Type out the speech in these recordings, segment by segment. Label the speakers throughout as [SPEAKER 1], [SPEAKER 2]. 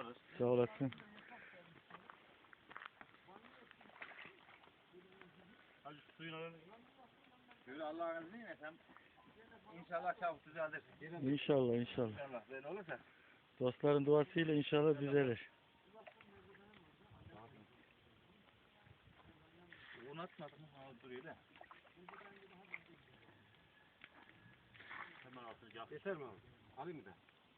[SPEAKER 1] alırız.
[SPEAKER 2] Sağ olasın.
[SPEAKER 1] Hadi suyun alalım. Böyle Allah'ın izniyle sen inşallah çabuk düzeldir.
[SPEAKER 2] İnşallah inşallah.
[SPEAKER 1] İnşallah böyle olursa.
[SPEAKER 2] Dostların duasıyla inşallah düzelir.
[SPEAKER 1] Un atmadın mı? Ha duruyor da. Hemen altını yap.
[SPEAKER 3] Yeter mi abi? Alayım mı da?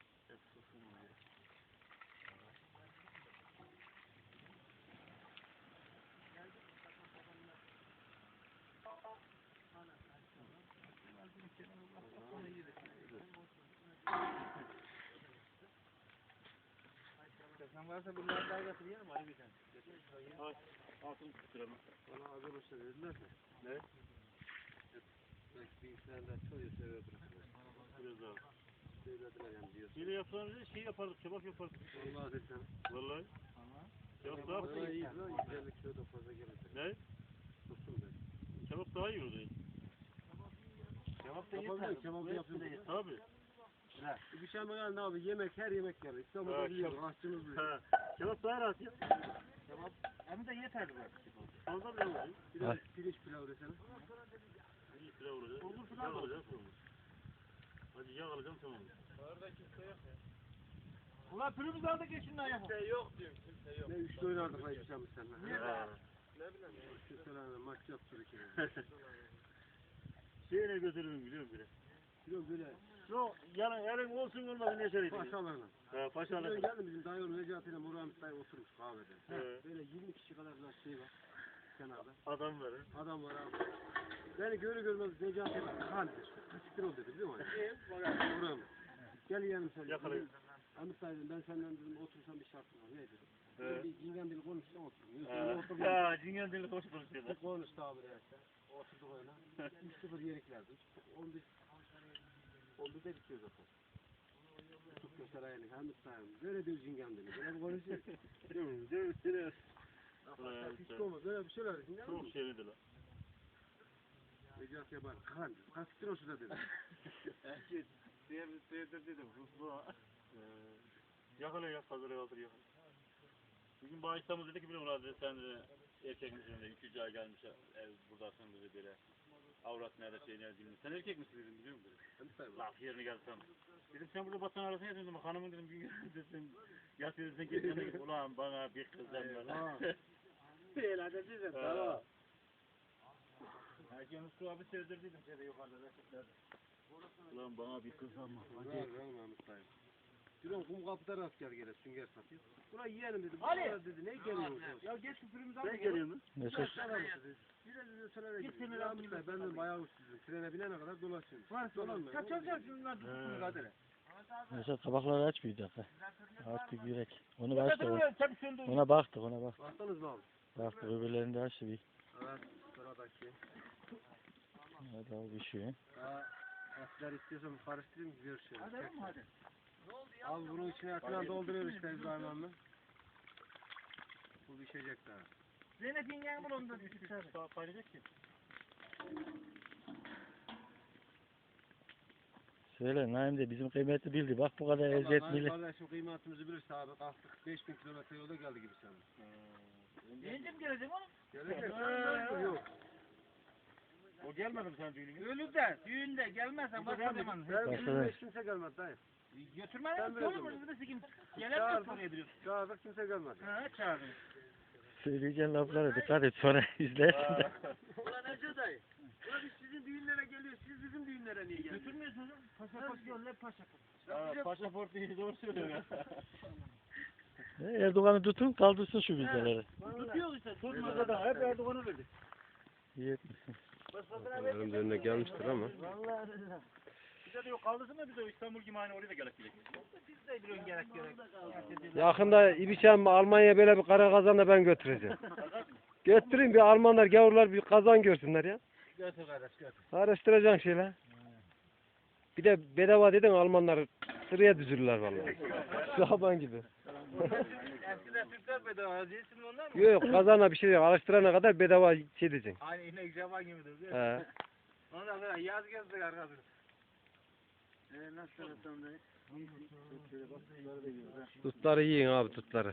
[SPEAKER 1] Sen varsa bunları daha getiriyorum. Hadi bir tane. Evet. Altını tutturalım.
[SPEAKER 3] Bana arkadaşlar dediler de. Ne? Belki bilgisayarlar çoğu seviyor bırakırlar.
[SPEAKER 1] Biraz daha.
[SPEAKER 3] Söylediler yani diyor.
[SPEAKER 1] Yine yapılan şey yapardık, kebap yapardık.
[SPEAKER 3] Vallahi desem.
[SPEAKER 1] Vallahi. Kebap daha
[SPEAKER 3] Bana iyi
[SPEAKER 1] fazla.
[SPEAKER 3] lan. 150 kilo da fazla gelecek.
[SPEAKER 1] Ne?
[SPEAKER 3] Tutsun ben.
[SPEAKER 1] Kebap daha iyi oldu. Kebap da
[SPEAKER 3] Yapalım
[SPEAKER 1] yeter.
[SPEAKER 3] da kebap yapayım.
[SPEAKER 1] Tabii.
[SPEAKER 3] Bir şey mi abi? Yemek, her yemek gelir. İstanbul'da
[SPEAKER 1] Ha,
[SPEAKER 3] biliyoruz. Aşçımız biliyor.
[SPEAKER 1] Ha. Kebap daha rahat ya. Kebap hem de yeterli bak. Fazla bile olur.
[SPEAKER 3] Bir de pirinç pilav desene.
[SPEAKER 1] İyi pilav olacak. Olur pilav olacak. Hadi yağ alacağım tamam.
[SPEAKER 3] Orada kimse yok ya.
[SPEAKER 1] Ulan pürümüz aldık ya şundan yapalım.
[SPEAKER 3] Kimse yok diyorum. Kimse yok. Ne üçlü oynardık lan bir şey mi seninle?
[SPEAKER 1] Ne bileyim.
[SPEAKER 3] Şu seninle maç yaptır iki.
[SPEAKER 1] Şeyine götürürüm biliyorum bile.
[SPEAKER 3] Biliyorum böyle.
[SPEAKER 1] Yok yani elin olsun olmasın ne söyleyeyim.
[SPEAKER 3] Paşalarla.
[SPEAKER 1] He paşalarla.
[SPEAKER 3] Geldi bizim dayı Necati ile Murat dayı oturmuş kahvede.
[SPEAKER 1] Evet.
[SPEAKER 3] Böyle 20 kişi kadar bir şey var kenarda.
[SPEAKER 1] Adam var.
[SPEAKER 3] Adam var abi. Beni görür görmez Necati kaldır. Kaçtır ol dedi biliyor musun? Murat. Gel yanım sen.
[SPEAKER 1] Yakalayın.
[SPEAKER 3] Ahmet dayı dedim, ben senden dedim otursam bir şartım var. Ne dedim?
[SPEAKER 1] Evet.
[SPEAKER 3] Bir cingen dili konuşsam otururum.
[SPEAKER 1] Ya cingen dili hoş konuşuyorlar.
[SPEAKER 3] Konuştu abi de işte. Oturduk öyle. 3-0 yeniklerdi. 11'de bitiyor zaten. Çok göstereyim. Ahmet dayım. Böyle diyor cingen dili. Böyle bir konuşuyor. Hiç olmaz. Böyle bir şeyler.
[SPEAKER 1] Çok şeydi lan.
[SPEAKER 3] Necati'ye bak. Kaçtır o şurada dedim.
[SPEAKER 1] Seyirdir dedim. Ruslu. Yakala ya hazır kaldır yakala. Bugün bağışlamız dedi ki bile Murat dedi sen de erkek misin dedi 2-3 ay gelmiş ev buradasın dedi böyle. Avrat nerede şey nerede bilmiyorum. Sen erkek misin dedim biliyor musun dedim. Laf yerine geldi sen. Dedim sen burada batan arasına yatıyorsun dedim hanımın dedim gün dedim yatıyorsun sen kendine dedim ulan bana bir kız var.
[SPEAKER 3] Değil hadi dedim. Tamam.
[SPEAKER 1] Herkes su abi sevdirdiydim şeyde yukarıda reçetlerde. Ulan bana bir kız ama.
[SPEAKER 3] Var lan Ahmet dayım. Duran kum kapıda rast gel gele sünger satıyor. Buraya yiyelim dedim.
[SPEAKER 1] Ali!
[SPEAKER 3] Dedi ne geliyorsun?
[SPEAKER 1] Ya geç şu pürümüzü al. Ne geliyorsun?
[SPEAKER 2] Ne
[SPEAKER 3] Biraz söyle
[SPEAKER 1] Git
[SPEAKER 3] dedi.
[SPEAKER 1] seni
[SPEAKER 3] Ya
[SPEAKER 1] lan.
[SPEAKER 3] Ahmet dayı ben de bayağı uçsuzum. Trene binene kadar dolaşıyorum. Dolanmıyor.
[SPEAKER 1] Kaçacağım şundan tutsun mücadele.
[SPEAKER 2] Mesela tabakları aç bir dakika. Artık yürek. Onu açtık.
[SPEAKER 1] Tabii söndü.
[SPEAKER 2] Ona baktık ona bak.
[SPEAKER 3] Baktınız mı abi?
[SPEAKER 2] Baktık öbürlerini de açtı bir.
[SPEAKER 3] Evet. Sıradaki.
[SPEAKER 2] Hadi abi bir şey.
[SPEAKER 3] Etler istiyorsan karıştırayım görüşelim.
[SPEAKER 1] Hadi hadi.
[SPEAKER 3] Abi bunun içine etler dolduruyor işte İbrahim abi. Bu pişecek daha.
[SPEAKER 1] Zeynep yengen bunu onda düşük daha paylaşacak ki.
[SPEAKER 2] Söyle Naim de bizim kıymeti bildi. Bak bu kadar eziyet millet.
[SPEAKER 3] Kardeşim kıymetimizi bilirse abi kalktık 5000 kilometre yolda geldi gibi sanırım.
[SPEAKER 1] Yenge mi gelecek oğlum?
[SPEAKER 3] Gelecek. Yok.
[SPEAKER 1] O gelmedi mi sen düğününe? Ölürde, düğünde gelmezsen başka zaman.
[SPEAKER 3] Ben
[SPEAKER 2] Başka
[SPEAKER 3] bizim
[SPEAKER 2] ne?
[SPEAKER 3] hiç kimse gelmedi dayı.
[SPEAKER 1] Götürmeden
[SPEAKER 3] Ben
[SPEAKER 1] mi?
[SPEAKER 3] böyle
[SPEAKER 1] Olur mu?
[SPEAKER 3] diyorum.
[SPEAKER 1] Birisi kim? Gelen mi sorabiliyorsun?
[SPEAKER 3] Çağırdık kimse gelmedi.
[SPEAKER 1] Ha çağırdın.
[SPEAKER 2] Söyleyeceğin laflara dikkat et sonra izlersin de.
[SPEAKER 3] Ulan Ece dayı. Ulan biz sizin düğünlere geliyoruz. Siz bizim düğünlere niye geliyorsunuz?
[SPEAKER 1] Götürmüyorsunuz. Pasaport yolla pasaport. Pasaport diye doğru söylüyor ya.
[SPEAKER 2] Erdoğan'ı tutun kaldırsın şu vizeleri.
[SPEAKER 1] Tutuyoruz işte. Tutmadı da hep Erdoğan'a verdik.
[SPEAKER 2] İyi etmişsin.
[SPEAKER 3] Benim de önüne gelmiştir ama.
[SPEAKER 1] Vallahi billahi. Bize de yok kaldırsın da biz de İstanbul gibi aynı oraya da gerek gerek. Biz de biliyorsun gerek gerek.
[SPEAKER 3] Yakında İbiçem Almanya'ya böyle bir kara kazan da ben götüreceğim. Götüreyim bir Almanlar gavurlar bir kazan görsünler ya.
[SPEAKER 1] Götür kardeş götür.
[SPEAKER 3] Araştıracaksın şeyler. Bir de bedava dedin Almanlar sıraya düzülürler vallahi. Şaban gibi.
[SPEAKER 1] Eskiden Türkler bedava değilsin onlar mı?
[SPEAKER 3] Yok kazana bir şey yok. Alıştırana kadar bedava şey diyeceksin.
[SPEAKER 1] Aynı inek Javan gibidir değil mi?
[SPEAKER 3] He.
[SPEAKER 1] Ondan sonra yaz gezdik arkadaşlar. Nasıl tanıtım
[SPEAKER 3] Şöyle bak, şunları da yiyoruz ha.
[SPEAKER 4] Tutları yiyin abi tutları.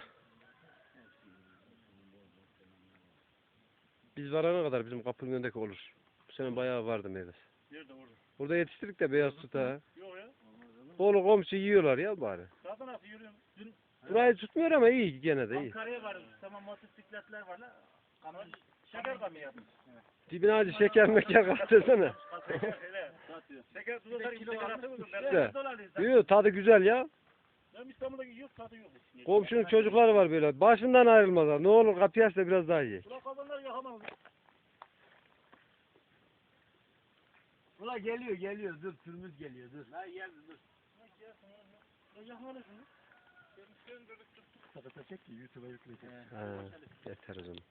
[SPEAKER 4] Biz varana kadar bizim kapının önündeki olur. Bu sene bayağı vardı meyvesi.
[SPEAKER 1] Nerede orada?
[SPEAKER 4] Burada yetiştirdik de beyaz tut ha.
[SPEAKER 1] Yok ya.
[SPEAKER 4] Kolu komşu yiyorlar ya bari.
[SPEAKER 1] Zaten nasıl yürüyorum? Dün
[SPEAKER 4] Burayı tutmuyor ama iyi gene de iyi.
[SPEAKER 1] Ankara'ya vardım. Tamam motosikletler var la. Kanal şeker kamı yapmış.
[SPEAKER 4] Dibine acı şeker meker katırsana.
[SPEAKER 1] Şeker tutar gibi şeker atıyor musun? Ben
[SPEAKER 4] İşte.
[SPEAKER 1] dolarlıyım.
[SPEAKER 4] Yiyor tadı güzel ya.
[SPEAKER 1] Ben İstanbul'daki yok tadı yok.
[SPEAKER 4] Komşunun çocukları var böyle. Başından ayrılmazlar. Ne olur kapıyı aç da biraz daha ye.
[SPEAKER 1] Ulan kazanlar yakamam.
[SPEAKER 3] Ula geliyor dur türümüz geliyor dur.
[SPEAKER 1] La geldi dur. Ya yakmalısın.
[SPEAKER 3] Kapatacak ki YouTube'a yükleyecek.
[SPEAKER 4] Ha, yeter o zaman.